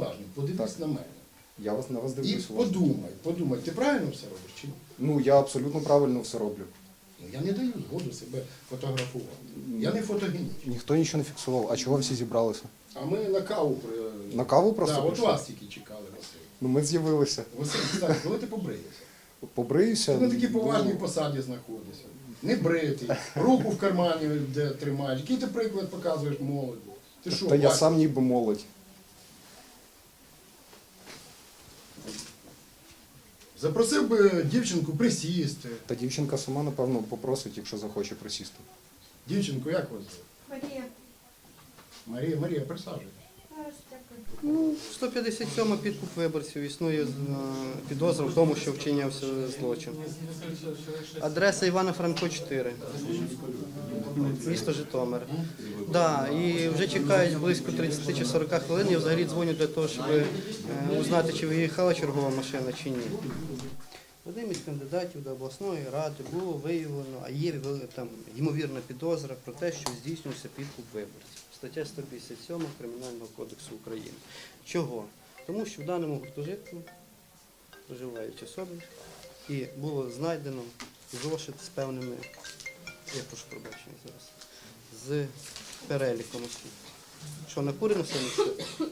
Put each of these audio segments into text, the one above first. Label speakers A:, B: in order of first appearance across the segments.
A: уважно, подивись на мене.
B: Я вас на вас
A: І
B: дивлюсь.
A: подумай, ти правильно все робиш чи ні?
B: Ну, я абсолютно правильно все роблю.
A: Ну, я не даю згоду себе фотографувати. Я не фотогенічний.
B: Ніхто нічого не фіксував. А чого всі зібралися?
A: А ми на каву
B: На каву просто
A: от
B: прийшли?
A: вас тільки чекали, Василь.
B: Ну, ми з'явилися.
A: Василь, так, коли ти побриєшся?
B: Побриюся.
A: Ти на такій поважній посаді знаходишся. Не бритий, руку в кармані де тримаєш. Який ти приклад показуєш молоді? Ти що,
B: Та я
A: бачиш?
B: сам ніби молодь.
A: Запросив би дівчинку присісти.
B: Та дівчинка сама, напевно, попросить, якщо захоче присісти.
A: Дівчинку, як вас звати?
C: Марія.
A: Марія, присаджуйтесь.
C: Зараз, дякую.
D: Ну, 157 підкуп виборців існує підозра в тому, що вчинявся злочин. Адреса Івана Франко, 4. Місто Житомир. Да, і вже чекають близько 30 чи 40 хвилин. Я взагалі дзвоню для того, щоб узнати, чи виїхала чергова машина, чи ні. Одним із кандидатів до обласної ради було виявлено, а є там ймовірна підозра про те, що здійснювався підкуп виборців. Стаття 157 Кримінального кодексу України. Чого? Тому що в даному гуртожитку проживають особи і було знайдено зошит з певними, я прошу пробачення зараз, з переліком осіб. Що, накурено все місце?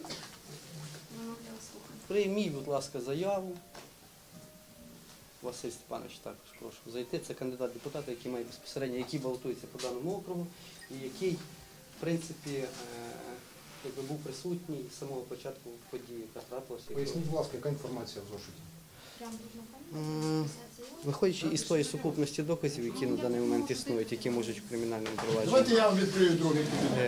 D: Прийміть, будь ласка, заяву. Василь Степанович також прошу зайти. Це кандидат депутата, який має безпосередньо, який балотується по даному округу і який, в принципі, якби був присутній з самого початку події, яка трапилася.
B: Поясніть, будь ласка, яка інформація в зошиті?
D: Виходячи із тої сукупності доказів, які на даний момент існують, які можуть в кримінальному провадженні.
A: Давайте я вам відкрию другий.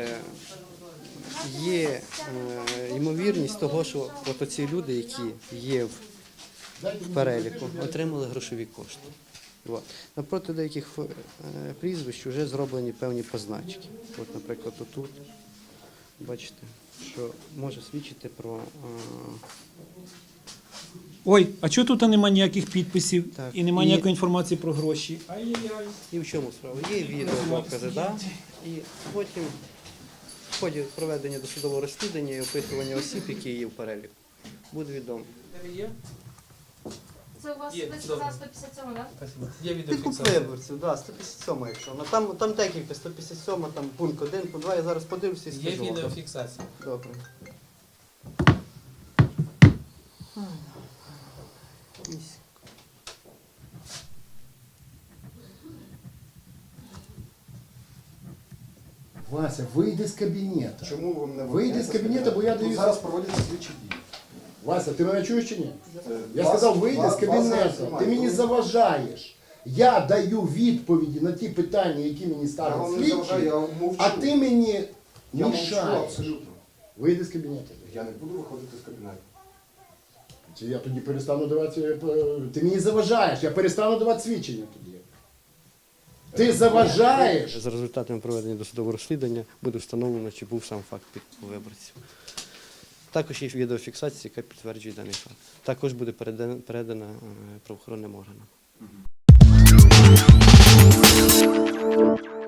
D: Є ймовірність того, що от оці люди, які є в переліку, отримали грошові кошти. От. Напроти деяких прізвищ вже зроблені певні позначки. От, наприклад, отут, бачите, що може свідчити про...
E: Ой, а чого тут нема ніяких підписів
D: Так,
E: і нема
D: і-
E: ніякої інформації про гроші? Ай-яй-яй.
D: І в чому справа? Є відеодокази, да? І потім в ході проведення досудового розслідування і опитування осіб, які є в переліку, буде відомо.
C: Це у вас
F: Є,
C: ви
F: добре.
C: сказали 157, так?
F: Спасибо. Є
D: Підкуп
F: відеофіксація.
D: виборців, да, 157, якщо. Ну, там декілька, 157, там пункт 1, пункт 2, я зараз подивлюся і
F: Є
D: скажу. вам.
F: відеофіксація.
D: Добре.
A: Вася, вийди з кабінету.
B: Чому ви мене
A: Вийди з кабінету, бо я
B: Тут
A: даю...
B: зараз проводяться слідчі дії.
A: Вася, ти мене чуєш чи ні? Я
B: Вас-
A: сказав, вийди з
B: вас
A: кабінету.
B: зараз
A: Ти
B: немає.
A: мені заважаєш. Я даю відповіді на ті питання, які мені
B: Я
A: ставлять
B: вам не заважаю,
A: слідчі,
B: я мовчу.
A: а ти мені
B: Я мовчу
A: мішаєш.
B: абсолютно.
A: Вийди з кабінету.
B: Я не буду виходити з кабінету.
A: Чи я тоді перестану давати... Ти мені заважаєш, я перестану давати свідчення тоді. Ти заважаєш.
D: За результатами проведення досудового розслідування буде встановлено, чи був сам факт підкупу виборців. Також є відеофіксація, яка підтверджує даний факт. Також буде передана правоохоронним органам.